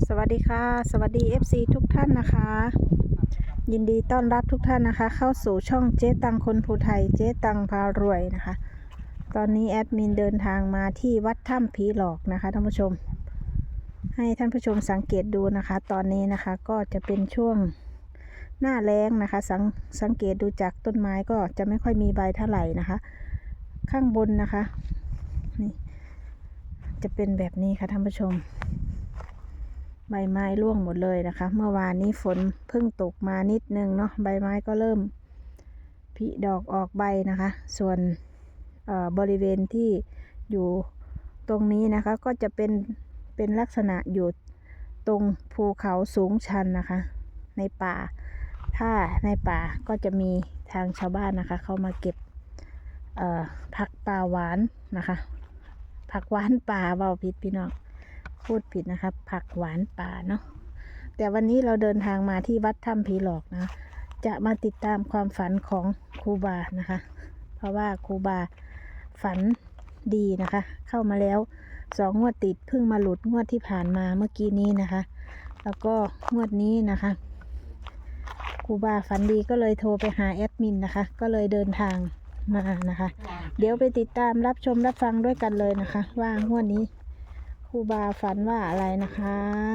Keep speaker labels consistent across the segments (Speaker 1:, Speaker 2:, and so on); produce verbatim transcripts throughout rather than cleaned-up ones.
Speaker 1: สวัสดีค่ะสวัสดี เอฟ ซี ทุกท่านนะคะ ยินดีต้อนรับทุกท่านนะคะ เข้าสู่ช่องเจ๊ตังคนภูไทยเจ๊ตังพารวยนะคะ ตอนนี้แอดมินเดินทางมาที่วัดถ้ำผีหลอกนะคะท่านผู้ชม ให้ท่านผู้ชมสังเกตดูนะคะ ตอนนี้นะคะก็จะเป็นช่วงหน้าแล้งนะคะสังสังเกตดูจากต้นไม้ก็จะไม่ค่อยมีใบเท่าไหร่นะคะ ข้างบนนะคะนี่จะเป็นแบบนี้ค่ะท่านผู้ชมใบไม้ร่วงหมดเลยนะคะเมื่อวานนี้ฝนเพิ่งตกมานิดนึงเนาะใบไม้ก็เริ่มผลิดอกออกใบนะคะส่วนบริเวณที่อยู่ตรงนี้นะคะก็จะเป็นเป็นลักษณะอยู่ตรงภูเขาสูงชันนะคะในป่าถ้าในป่าก็จะมีทางชาวบ้านนะคะเข้ามาเก็บผักป่าหวานนะคะผักหวานป่าเบาผิดพี่น้องพูดผิดนะครับผักหวานป่าเนาะแต่วันนี้เราเดินทางมาที่วัดถ้ำผีหลอกนะจะมาติดตามความฝันของครูบานะคะเพราะว่าครูบาฝันดีนะคะเข้ามาแล้วสองงวดติดเพิ่งมาหลุดงวดที่ผ่านมาเมื่อกี้นี้นะคะแล้วก็งวดนี้นะคะครูบาฝันดีก็เลยโทรไปหาแอดมินนะคะก็เลยเดินทางมานะคะเดี๋ยวไปติดตามรับชมรับฟังด้วยกันเลยนะคะว่างวดนี้ครูบาฝันว่าอะไรนะคะ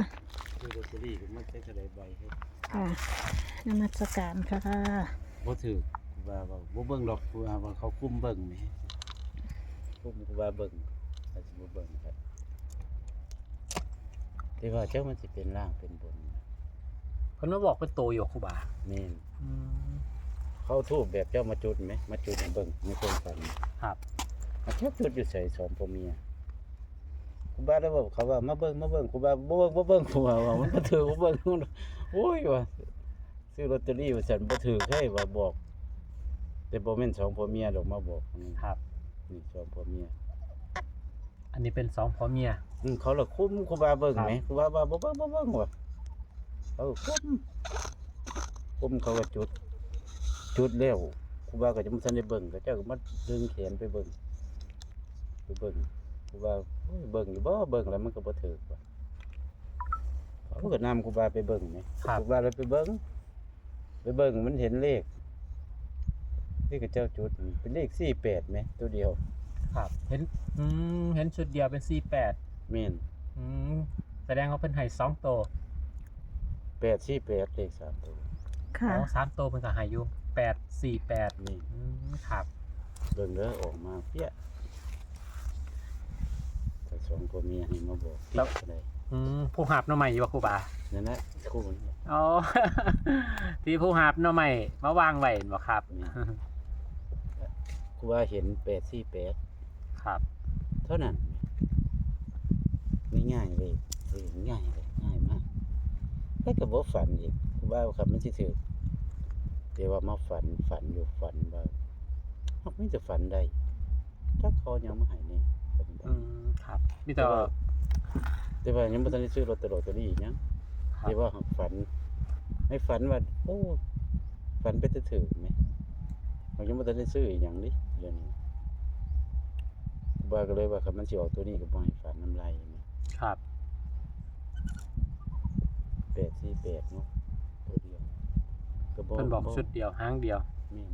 Speaker 1: ค่ะนมัสการค่ะ
Speaker 2: บ่ถือว่าว่าบ่เบิ่งดอกว่าว่าเขาคุมเบิ่งนี่คุมว่าเบิ่งอาจสิบ่เบิ่งครับแต่ว่าเจ้ามันสิเป็นร่างเป็นบน
Speaker 3: เพิ่นมาบอกเป็นโตอยู่ครูบา
Speaker 2: แม่นเขาทูบแบบเจ้ามาจุดไหมมาจุดให้เบิ่งในความฝัน
Speaker 3: ครับ
Speaker 2: มาเจ้าจุดอยู่ใส่สองพ่อเมียครูบาได้บอกเขาว่ามาเบิ่งมาเบิ่งครูบาบ่เบิ่งบ่เบิ่งครูบาว่ามันบ่ถือบ่เบิ่งโอ้ยว่าซื้อลอตเตอรี่ว่าซั่นบ่ถือให้ว่าบอกแต่บ่แม่นสองพ่อเมียดอกมาบอก
Speaker 3: ครับ
Speaker 2: นี่สองพ่อเมีย
Speaker 3: อันนี้เป็นสองพ่อเมีย
Speaker 2: อืมเขาละคุ้มครูบาเบิ่งไหมครูบาว่าบ่เบิ่งบ่เบิ่งว่ะเออคุ้มคุ้มเขาก็จุดจุดแล้วครูบาก็จะบ่ทันได้เบิ่งก็เจ้าก็มาดึงแขนไปเบิ่งไปเบิ่งครูบาโอ้ยเบิ่งอยู่บ่เบิ่งแล้วมันก็บ่ถูกว่ะเขาก็นำครูบาไปเบิ่งไหมครูบาเลยไปเบิ่งไปเบิ่งมันเห็นเลขนี่ก็เจ้าจุดเป็นเลขสี่แปดไหมตัวเดียว
Speaker 3: ครับเห็นอืมเห็นชุดเดียวเป็นสี่แปด
Speaker 2: แม่น
Speaker 3: อืมแสดงว่าเพิ่นให้สองโต
Speaker 2: แปดสี่แปดเลขสามตัว
Speaker 3: ค่ะอ๋อสามโตเพิ่นก็ให้อยู่แปดสี่แปด
Speaker 2: นี่
Speaker 3: อืมครับ
Speaker 2: เบิ่งแล้วออกมาเปี้ยแต่สองพ่อเมียให้มาบอกแล้วได้
Speaker 3: อืมผู้หาบหน่อใหม่อยู่ว่าครูบา
Speaker 2: นั่นแหละคู่นี้
Speaker 3: อ๋อที่ผู้หาบหน่อใหม่มาวางไว้บ่ครับ
Speaker 2: ครูบาเห็นแปดสี่แปด
Speaker 3: ครับ
Speaker 2: เท่านั้นง่ายๆเลยง่ายเลยง่ายมากแล้วก็บ่ฝันอีกครูบาครับมันสิถือแต่ว่ามาฝันฝันอยู่ฝันว่าเฮามีแต่ฝันได้จักเขายังมาให้นี่
Speaker 3: อืมครับมีแต่
Speaker 2: แต่ว่ายังบ่ทันได้ซื้อลอตเตอรี่หยังแต่ว่าฝันให้ฝันว่าโอ้ฝันไปจะถือมั้ยเรายังบ่ทันได้ซื้ออีหยังดิเรื่องนี้บ่าก็เลยว่าคันมันสิออกตัวนี้ก็บ่ให้ฝันน้ำลายมั้ย
Speaker 3: ครับ
Speaker 2: แปดสี่แปดเนาะตัวเดียว
Speaker 3: ก็บ่เพิ่นบอกชุดเดียวหางเดียว
Speaker 2: แม่น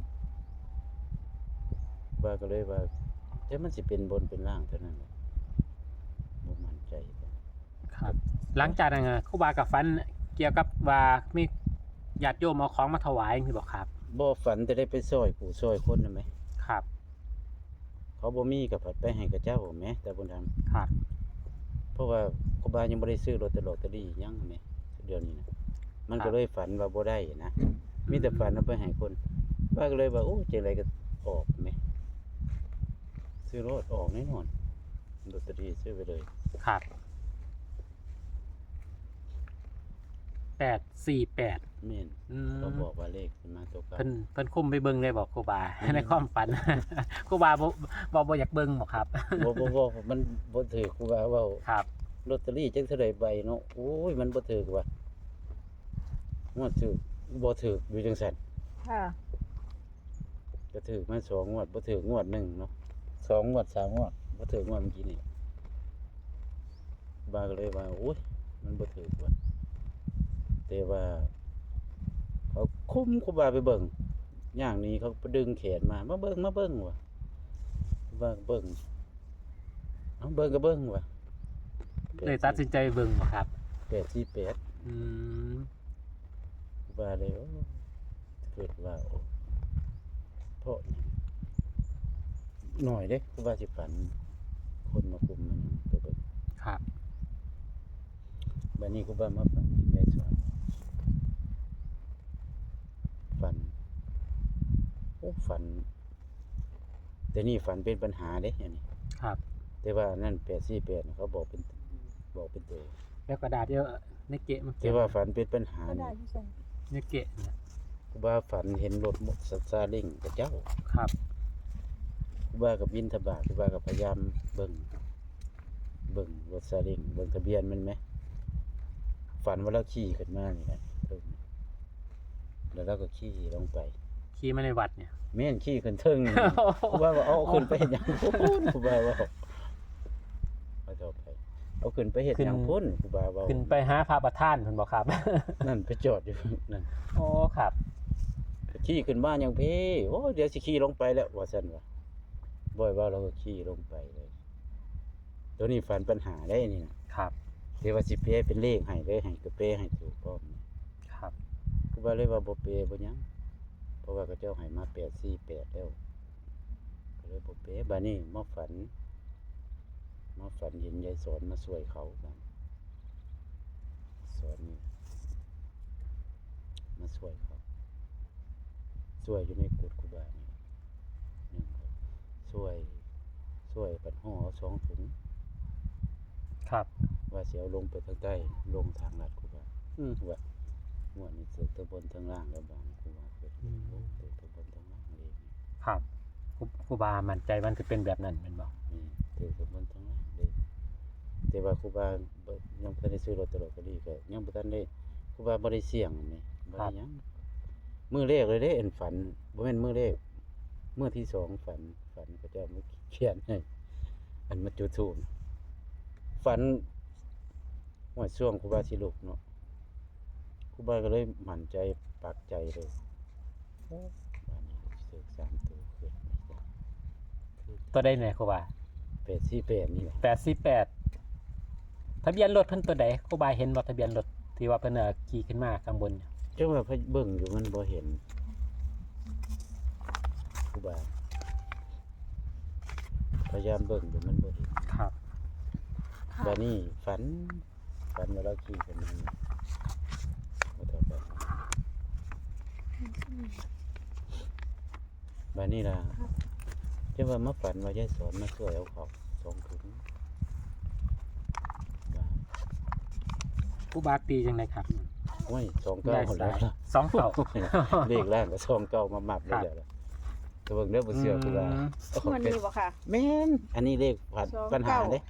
Speaker 2: บ่าก็เลยว่าแต่มันสิเป็นบนเป็นล่างเท่านั้นแหละบ่มั่นใจ
Speaker 3: ครับหลังจากนั้นครูบาก็ฝันเกี่ยวกับว่ามีญาติโยมเอาของมาถวายนี่บ่ครับ
Speaker 2: บ่ฝันแต่ได้ไปช่วยผู้ช่วยคนนั่นมั้ย
Speaker 3: ครับ
Speaker 2: เขาบ่มีก็ผัดไปให้กับเจ้าแหมแต่บ่ทำ
Speaker 3: ครับ
Speaker 2: เพราะว่าครูบายังบ่ได้ซื้อลอตเตอรี่หยังแหมเดี๋ยวนี้นะมันก็เลยฝันว่าบ่ได้นะมีแต่ฝันเอาไปให้คนบ้าก็เลยว่าโอ้จังได๋ก็ออกแหมซื้อรถออกแน่นอนลอตเตอรี่ซื้อไปเลย
Speaker 3: ครับแปดสี่แปด
Speaker 2: แม่นเขาบอกว่าเลขสิมาตัวกัน
Speaker 3: เพิ่นเพิ่นคุมไปเบิ่งได้บอกครูบาในความฝันครูบาบ่บ่บ่อยากเบิ่งบ่ครับ
Speaker 2: บ่บ่บ่มันบ่ถูกครูบาเว้า
Speaker 3: ครับ
Speaker 2: ลอตเตอรี่จังเท่าใดใบเนาะโอ้ยมันบ่ถูกว่ะงวดถูกบ่ถูกอยู่จังซั่น
Speaker 1: ค่ะ
Speaker 2: ก็ถูกมาสองงวดบ่ถูกงวดหนึ่งเนาะสองงวดสามงวดบ่ถูกงวดเมื่อกี้นี่บาก็เลยว่าโอ้ยมันบ่ถูกว่ะแต่ว่าเขาคุมครูบาไปเบิ่งย่างนี้เขาไปดึงแขนมามาเบิ่งมาเบิ่งว่ะครูบาก็เบิ่งเอาเบิ่งก็เบิ่งว่ะ
Speaker 3: เลยตัดสินใจเบิ่งบ่ครับ
Speaker 2: แปดสี่แปด
Speaker 3: อืม
Speaker 2: ครูบาเลยโอ้เกิดว่าโอ้เพราะหยังหน่อยเด้ครูบาสิฝันคนมาคุมมันไปเบิ่ง
Speaker 3: ครับ
Speaker 2: บัดนี้ครูบามาฝันเห็นยายสอนฝันโอ้ฝัน แต่นี่ฝันเป็นปัญหาเด้อย่างนี้
Speaker 3: ครับ
Speaker 2: แต่ว่านั่นแปดสี่แปดเขาบอกเป็นบอกเป็นตัว
Speaker 3: แล้วกระดาษเดียวในเกะมัน
Speaker 2: แต่ว่าฝันเป็นปัญหา
Speaker 1: ก็ได้
Speaker 2: นี่
Speaker 1: ที่ใส่
Speaker 3: ในเกะเนี่ย
Speaker 2: ครูบาฝันเห็นรถมอเตอร์ซาเล้งกับเจ้า
Speaker 3: ครับ
Speaker 2: ครูบากับบินทบาทครูบากับพยายามเบิ่งเบิ่งรถซาเล้งเบิ่งทะเบียนมันไหมฝันว่าเราขี่ขึ้นมานี่แหละเทิงแล้วเราก็ขี่ลงไป
Speaker 3: ขี่มาในวัดเนี่ย
Speaker 2: แม่นขี่ขึ้นเทิงนี่ครูบาว่าเอาขึ้นไปเฮ็ดหยังพุ่นครูบาว่าเอาต่อไปเอาขึ้นไปเฮ็ดหยังพุ่นครูบาว่า
Speaker 3: ขึ้นไปหาพระประธานเพิ่นบ่ครับ
Speaker 2: นั่นไปจอดอยู่นั่น
Speaker 3: โอ้ครับ
Speaker 2: ขี่ขึ้นบ้านยังพี่โอ้เดี๋ยวสิขี่ลงไปแล้วว่าซั่นว่าบ่อยว่าเราก็ขี่ลงไปเลยตัวนี้ฝันปัญหาได้นี่นะครับ เดี๋ยวว่าสิเปย์เป็นเลขให้เลยให้ก็เปย์ให้ถูกพร้อม
Speaker 3: ครับ
Speaker 2: ก็ว่าเลยว่าบ่เปย์บ่หยังเพราะว่าเขาเจ้าให้มาแปดสี่แปดแล้วก็เลยบ่เปย์บัดนี้มาฝันมาฝันเห็นยายสอนมาช่วยเขาบัดสอนนี่มาช่วยเขาช่วยอยู่ในกุฏครูบานี่หนึ่งครับช่วยช่วยปัดห่อเอาสองถุง
Speaker 3: ครับ
Speaker 2: ว่าสิเอาลงไปทางใต้ลงทางลัดครูบาอือว่าม่วนนี่เสือตะบนทางล่างแล้วบางครูบาเกิดลงไปตะบนทางล่างเลย
Speaker 3: ครับครูครูบามั่นใจมันคือเป็นแบบนั้นแม่นบ่
Speaker 2: นี่เตือตะบนทางล่างเลยแต่ว่าครูบาบ่ยังบ่ทันได้ซื้อลอตเตอรี่ก็ยังบ่ทันได้ครูบาบ่ได้เสี่ยงอันนี้บ่ได้หยังมื้อแรกเลยเด้อันฝันบ่แม่นมื้อแรกมื้อที่สองฝันฝันก็จะมาเขียนให้อันมาจุดธูปฝันว่าช่วงครูบาสิลุกเนาะครูบาก็เลยมั่นใจปักใจเลยโอ้บ้านนี้ซื้อสามตัวขึ้นไม่ได้คือ
Speaker 3: ตัวใดแหน่ครูบา
Speaker 2: แปดสี่แปดนี่แหละ
Speaker 3: แปดสี่แปดทะเบียนรถเพิ่นตัวใดครูบาเห็นบ่ทะเบียนรถที่ว่าเพิ่นเอ่อขี่ขึ้นมาข้างบนเนี่ย
Speaker 2: จังว่าพะเบิ่งอยู่มันบ่เห็นครูบาพยายามเบิ่งอยู่มันบ่เห็น
Speaker 3: ครับ
Speaker 2: บ้านนี้ฝันฝันว่าเราขี่กันมาบ่ต่อไปบ้านนี้ล่ะจังว่ามาฝันว่ายายสอนมาช่วยเอาเขาสองถุงว่า
Speaker 3: ครูบาตีจังไดครับ
Speaker 2: โอ้ยสองเก้าคนแล้วล่ะ
Speaker 3: สองเก้า
Speaker 2: เลขแรกก็สองเก้ามามับเลยเดี๋ยวล่ะแต่เบิ่งเด้อบ่เชื่อครูบา
Speaker 3: อืม
Speaker 2: เอาของ
Speaker 1: วัน
Speaker 2: เป็น
Speaker 1: นี้บ่ค่ะ
Speaker 2: แม่นอันนี้เลขผ่าน
Speaker 1: สอง
Speaker 2: ปัญหา
Speaker 1: เก้า
Speaker 2: เด้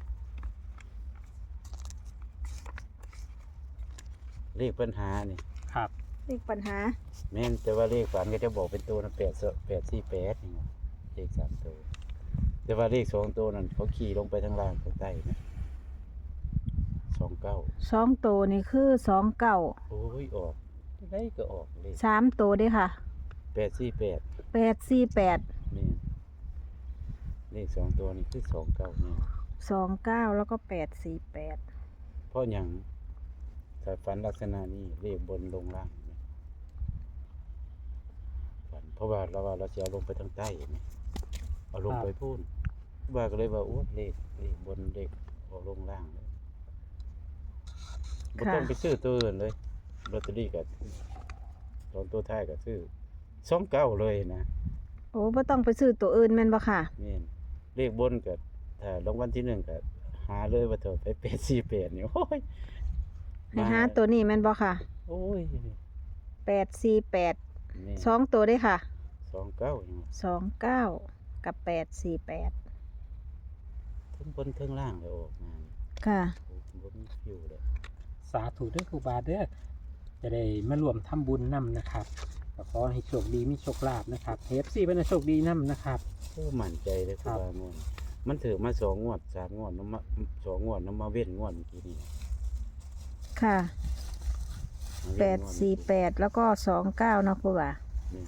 Speaker 2: เลขปัญหานี่
Speaker 3: ครับ
Speaker 1: เลขปัญหา
Speaker 2: แม่นแต่ว่าเลขฝันก็จะบอกเป็นตัวนะแปดแปดสี่แปดนี่ว่าเลขสามตัวแต่ว่าเลขสองตัวนั่นเขาขี่ลงไปทางล่างทางใต้นะสองเก้า
Speaker 1: สองตัวนี่คือสองเก้า
Speaker 2: โอ้ยออกได้ก็ออกเลข
Speaker 1: สามตัวเด้ค่ะ
Speaker 2: แปดสี่แปด
Speaker 1: แปดสี่แปด
Speaker 2: แม่นเลขสองตัวนี่คือสองเก้าเนี่ย
Speaker 1: สองเก้าแล้วก็แปดสี่แปด
Speaker 2: เพราะอย่างถ้าฝันลักษณะนี้เลขบนลงล่างเห็นไหมฝันเพราะว่าเราว่าเราจะเอาลงไปทางใต้เห็นไหมเอาลงไปพูนว่าก็เลยว่าโอ้เลขเลขบนเลขเอาลงล่างเลยบ่ต้องไปซื้อตัวอื่นเลยลอตเตอรี่กับตอนตัวท้ายก็ซื้อสองเก้าเลยนะ
Speaker 1: โอ้บ่ต้องไปซื้อตัวอื่นแม่นบ่ค่ะ
Speaker 2: นี่นเลขบนกับถ้ารางวัลที่หนึ่งก็หาเลยว่าเถอะไปแปดสี่แปดนี่โอ้ย
Speaker 1: ให้หาตัวนี้แม่นบ่ค่ะ
Speaker 2: โอ้ย
Speaker 1: แปดสี่แปด
Speaker 2: นี่
Speaker 1: สองตัวเด้ค่ะ
Speaker 2: สองเก้าอย่าง
Speaker 1: สองเก้ากับแปดสี่แปด
Speaker 2: ทั้งบนทั้งล่างเลยออกมานี่
Speaker 1: ค่ะ
Speaker 2: โอ้ผมบ่มีฟิวเลย
Speaker 3: สาธุเด้อครูบาเด้อจะได้มารวมทำบุญนํนะครับก็ขอให้โชคดีมีโชคลาภนะครับ เอฟ ซี เป็นให้โชคดีนํนะครับ
Speaker 2: โอ้มั่นใจเลยค
Speaker 3: ครั
Speaker 2: รับบ ว่างวดมันถือมาสองงวดสามงวดน้ำมาสองงวดน้ำมาเว้นงวดเมื่อกี้นี่
Speaker 1: ค่ะ
Speaker 2: เอา
Speaker 1: แป
Speaker 2: เรีย
Speaker 1: ด
Speaker 2: กว่า
Speaker 1: สี่แปดแล้วก็สองเก้าเนาะครูบา
Speaker 2: นี่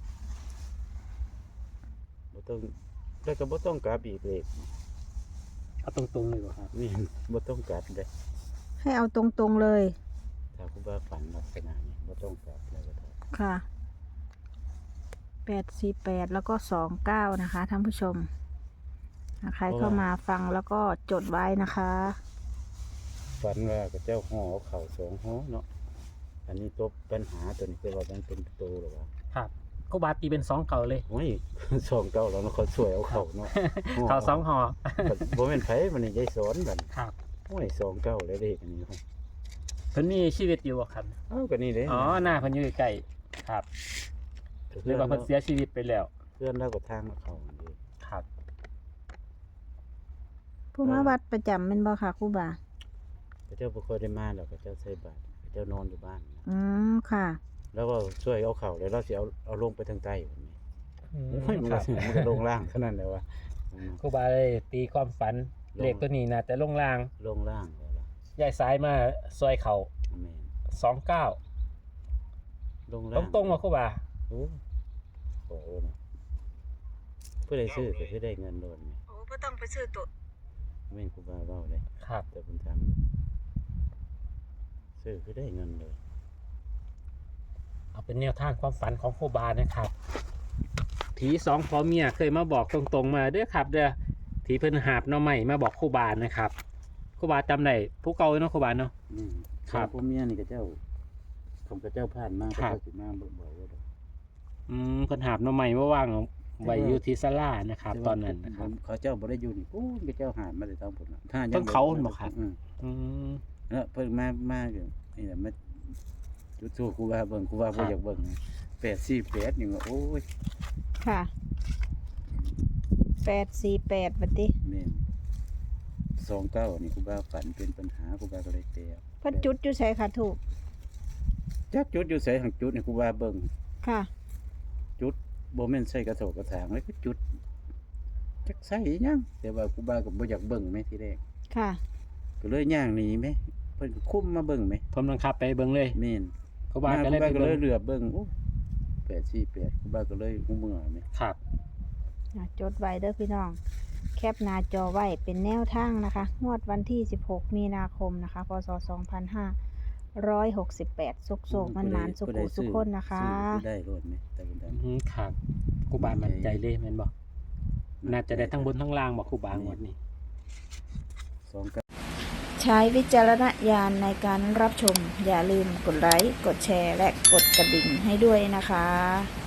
Speaker 2: บ่ต้องแล้วก็บ่ต้องกลับอีกเลย
Speaker 3: เอาตรงๆเลยบ่ครับ
Speaker 2: นี่บ่ต้องกลับเด้
Speaker 1: ให้เอาตรงๆเลย
Speaker 2: ถ้าครูบาฝันลักษณะนี้บ่ต้องกลับแล้วก็ได้
Speaker 1: ค่ะแปดสี่แปดแล้วก็สองเก้านะคะท่านผู้ชมอ่ะใครเข้ามาฟังแล้วก็จดไว้นะคะ
Speaker 2: ฝันว่าก็เจ้าห่อเอาเข่าสองห่อเนาะอันนี้ตัวปัญหาตัวนี้คือว่ามันเป็นโตหรือว่า
Speaker 3: ครับครูบาตีเป็นสองเก่าเลย
Speaker 2: โอ้ย สองเก้าแล้วเนาะเขาช่วยเอาเข่าเนาะ
Speaker 3: เขาสองห่อ
Speaker 2: บ่แม่นไผมันนี่ยายสอนบัด
Speaker 3: ครับ
Speaker 2: โอ้ยสองเก้าแล้วเด็กอันนี้ครับ
Speaker 3: เพิ่นมีชีวิตอยู่บ่ครับ
Speaker 2: เอ้าก็นี่เด้
Speaker 3: อ๋อหน้าเพิ่นอยู่ใกล้ๆครับหรือว่าเพิ่นเสียชีวิตไปแล้ว
Speaker 2: เพื่อนเราก็ทางมาเข้าอันนี้
Speaker 3: ครับ
Speaker 1: ผู้มาวัดประจำเป็นบ่ค่ะครูบา
Speaker 2: พระเจ้าบ่ค่อยได้มาแล้วพระเจ้าใส่บาตรพระเจ้านอนอยู่บ้านนะ
Speaker 1: อืมค่ะ
Speaker 2: แล้วก็ช่วยเอาเข่าแล้วเราสิเอาเอาลงไปทางใต้แบบนี้
Speaker 3: อืม
Speaker 2: โอ้ยมัน
Speaker 3: ค
Speaker 2: ก็
Speaker 3: รับ
Speaker 2: มันก็ลงล่างเท่านั้นแหละว่าอืม
Speaker 3: ครูบาเลยตีความฝัน
Speaker 2: ลง
Speaker 3: เลขตัวนี้นะแต่ลงล่าง
Speaker 2: ลงล่างแล้วล่ะ
Speaker 3: ย้ายซ้ายมาซอยเขา
Speaker 2: แม่น
Speaker 3: สองเก้า
Speaker 2: ลง
Speaker 3: ต
Speaker 2: ล่าง
Speaker 3: รงๆว่าครูบา
Speaker 2: โอ้โหเนาะผู้ใดซื้อก็คือได้เงินโดนไหม
Speaker 1: โอ้บ่ต้องไปซื้อตัว
Speaker 2: แม่นครูบาเว้าเลย
Speaker 3: ครับ
Speaker 2: แต่ผมทำซื้อคือได้เงินเลย
Speaker 3: เอาเป็นแนวทางความฝันของครูบานะครับผีสองพ่อเมียเคยมาบอกตรงๆมาเด้อครับเด้อที่เพิ่นหาบหน้อใหม่มาบอกครูบานะครับครูบาจำได้ผู้เก่าเนาะครูบาเนาะ
Speaker 2: อืม
Speaker 3: ครับ
Speaker 2: พ่อเมียนี่ก็เจ้าผมก็เจ้าผ่านมา
Speaker 3: ครับ
Speaker 2: ก็เจ้าสิมาบ่บ่ว่าดอก
Speaker 3: อืมเพิ่นหาบหน้อใหม่มาว่างไว้อยู่ที่ศาลานะครับ ตอนนั้นนะครับ
Speaker 2: เขาเจ้าบ่ได้อยู่นี่โอ้ยก็เจ้าหามาได้ทางพุ่นน่ะถ้า
Speaker 3: เพิ่นเขาบ่ครับ
Speaker 2: อืม
Speaker 3: อืม
Speaker 2: แล้วเพิ่นมามาอยู่นี่แหละมาจุดสู้ครูบาเบิ่งครูบา
Speaker 3: ครั
Speaker 2: บ่
Speaker 3: บ
Speaker 2: อยากเบิ่งแปดสี่แปดนี่ว่าโอ้ย
Speaker 1: ค่ะแปดสี่แปดบัดนี้
Speaker 2: แม่นสองเก้านี่ครูบาฝันเป็นปัญหาครูบาก็เลยเตะ
Speaker 1: เพิ่นจุดอยู่ใส่ค่ะถูก
Speaker 2: จักจุดอยู่ไสหังจุดนี่ครูบาเบิ่ง
Speaker 1: ค่ะ
Speaker 2: จุดบ่แม่นใส่กระโถกกระถางเลยก็จุดจักใส่อีหยังแต่ว่าครูบาก็บ่อยากเบิ่งแม่ทีแรก
Speaker 1: ค่ะ
Speaker 2: ก็เลยย่างหนีแม่เพิ่นก็คุมมาเบิ่งแม่
Speaker 3: ผมบังคับไปเบิ่งเลย
Speaker 2: แม่น
Speaker 3: ครูบา
Speaker 2: มา
Speaker 3: ก็
Speaker 2: ค
Speaker 3: เล
Speaker 2: รู
Speaker 3: ย
Speaker 2: บา
Speaker 3: ไป
Speaker 2: ก็เล
Speaker 3: เบิ่
Speaker 2: ย
Speaker 3: ง
Speaker 2: เหลือบเบิ่งโอ้แปดสี่แปดครูบาก็เลยหูเมื่อแม่
Speaker 3: ครับ
Speaker 1: อ่ะจดไว้เด้อพี่น้อง แคปหน้าจอไว้เป็นแนวทางนะคะ งวดวันที่ สิบหก มีนาคมนะคะ พศ สองพันห้าร้อยหกสิบแปด สุกโศกมันหมานสุขุสุขคนนะคะ
Speaker 2: ซื้อได้รถไหมแต่บุญด
Speaker 3: อืมครับครูบามั่นใจเลยแม่นบ่น่าจะได้ทั้งบนทั้งล่างบ่ครูบางวดนี้
Speaker 2: สองเก้า
Speaker 1: ใช้วิจารณญาณในการรับชม อย่าลืมกดไลค์ กดแชร์ และกดกระดิ่งให้ด้วยนะคะ